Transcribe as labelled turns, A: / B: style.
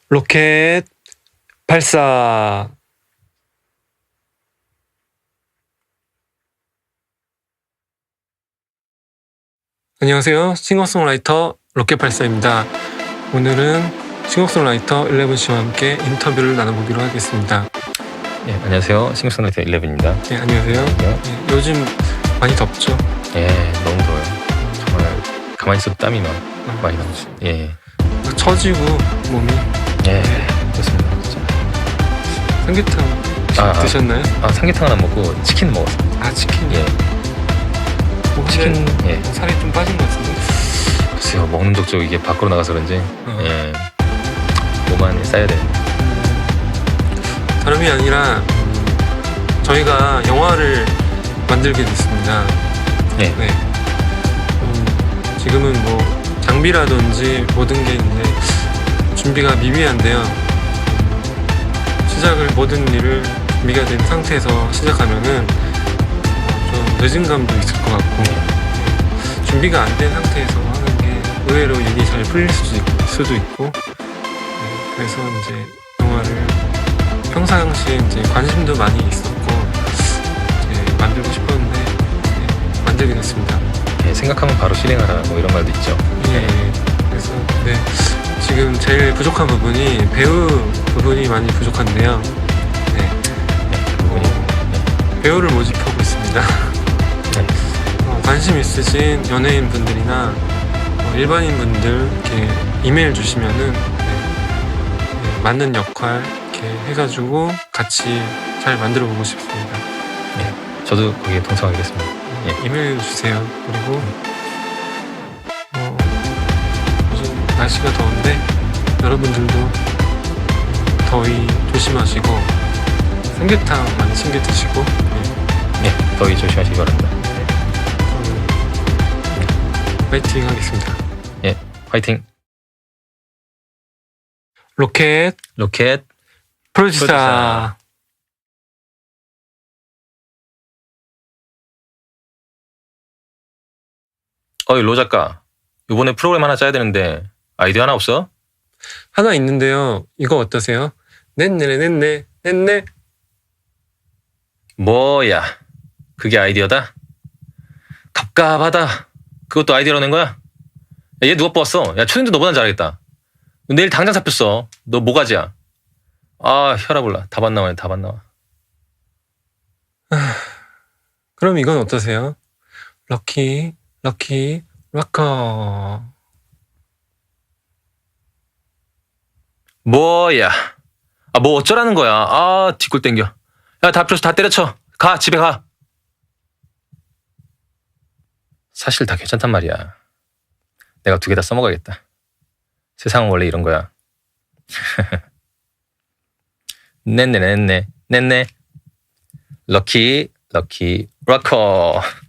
A: 로켓 발사. 안녕하세요. 싱어송라이터 로켓 발사입니다. 오늘은 싱어송라이터 11씨와 함께 인터뷰를 나눠보기로 하겠습니다.
B: 네, 안녕하세요. 싱어송라이터 11입니다.
A: 네, 안녕하세요. 네, 요즘 많이 덥죠?
B: 예, 너무 더워요. 정말 가만히 있어도 땀이 막 많이 나오죠. 예,
A: 처지고 몸이.
B: 예, 그렇습니다. 진짜.
A: 삼계탕 드셨나요?
B: 삼계탕은 안 먹고 치킨 먹었어요.
A: 아, 치킨.
B: 예, 치킨. 예,
A: 살이 좀 빠진 것 같은데.
B: 글쎄요, 먹는 족족 이게 밖으로 나가서 그런지 예, 몸 안에 쌓여야 돼요.
A: 다름이 아니라 저희가 영화를 만들게 됐습니다.
B: 예.
A: 네. 지금은 뭐 장비라든지 모든 게 있는데 준비가 미비한데요. 모든 일을 준비가 된 상태에서 시작하면은 좀 늦은 감도 있을 것 같고, 준비가 안 된 상태에서 하는 게 의외로 일이 잘 풀릴 수도 있고, 그래서 이제 영화를 평상시에 이제 관심도 많이 있었고 이제 만들고 싶었는데 만들게 됐습니다.
B: 예, 생각하면 바로 실행하라 뭐 이런 말도 있죠.
A: 예. 그래서 지금 제일 부족한 부분이 배우 부분이 많이 부족한데요. 배우를 모집하고 있습니다. 관심 있으신 연예인 분들이나 일반인 분들 이렇게 이메일 주시면은 맞는 역할 이렇게 해가지고 같이 잘 만들어 보고 싶습니다.
B: 예, 저도 거기에 동참하겠습니다. 예.
A: 이메일 주세요. 그리고 요즘 날씨가 더운데 여러분들도 더위 조심하시고 삼계탕 많이 챙겨 드시고
B: 예, 더위 조심하시기 바랍니다.
A: 파이팅 하겠습니다.
B: 예, 화이팅.
A: 로켓 프로듀서.
B: 어이, 로 작가. 이번에 프로그램 하나 짜야 되는데 아이디어 하나 없어?
A: 하나 있는데요. 이거 어떠세요? 넷네.
B: 뭐야, 그게 아이디어다? 갑갑하다. 그것도 아이디어로 낸 거야? 야, 얘 누가 뽑았어? 야, 초딩도 너보단 잘하겠다. 내일 당장 잡혔어. 너 뭐가지야? 아, 혈압 올라. 답 안 나와.
A: 그럼 이건 어떠세요? 럭키 락커.
B: 뭐야? 뭐 어쩌라는 거야? 뒷골 땡겨. 야, 다 필요해서 다 때려쳐. 가, 집에 가. 사실 다 괜찮단 말이야. 내가 2개 다 써먹어야겠다. 세상은 원래 이런 거야. 넷네. 럭키 락커.